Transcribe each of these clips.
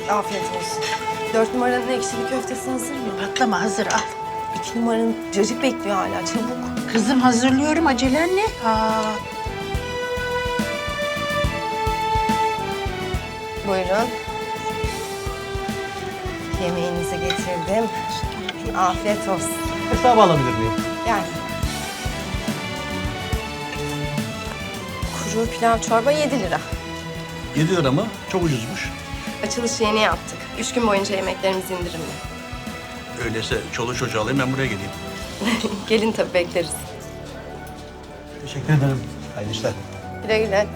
Afiyet olsun. 4 numaranın ekşili köftesi hazır mı? Patlama hazır al. 2 numaranın cacık bekliyor hala. Çabuk. Kızım hazırlıyorum acelen ne? Buyurun. Yemeğinizi getirdim. Afiyet olsun. Hesabı alabilir miyim? Gel. Kuru pilav çorba 7 lira. 7 lira mı? Çok ucuzmuş. Açılışı yeni yaptık. 3 gün boyunca yemeklerimiz indirimli. Öyleyse çoluk çocuğu alayım ben buraya geleyim. Gelin tabii bekleriz. Teşekkür ederim. Hayırlı işler. Güle güle.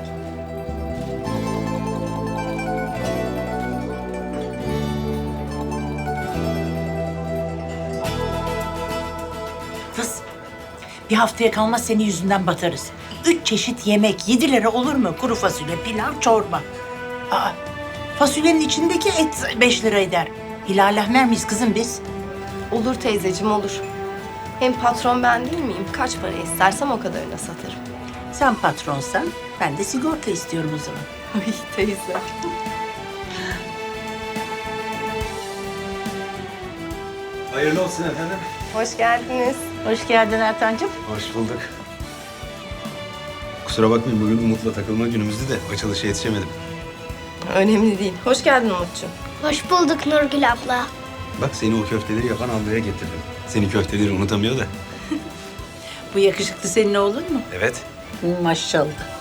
Kız bir haftaya kalmaz senin yüzünden batarız. 3 çeşit yemek 7 lira olur mu? Kuru fasulye, pilav, çorba. Fasulyenin içindeki et 5 lira eder. Hilal ahmer miyiz kızım biz? Olur teyzeciğim olur. Hem patron ben değil miyim? Kaç para istersem o kadarına satarım. Sen patronsan ben de sigorta istiyorum o zaman. Ay teyze. Hayırlı olsun efendim. Hoş geldiniz. Hoş geldin Ertan'cığım. Hoş bulduk. Kusura bakmayın bugün Umut'la takılma günümüzdü de açılışa yetişemedim. Önemli değil. Hoş geldin Umut'cuğum. Hoş bulduk Nurgül abla. Bak seni o köfteleri yapan ablaya getirdim. Seni köfteleri unutamıyor da. Bu yakışıklı senin oğlun mu? Evet. Maşallah.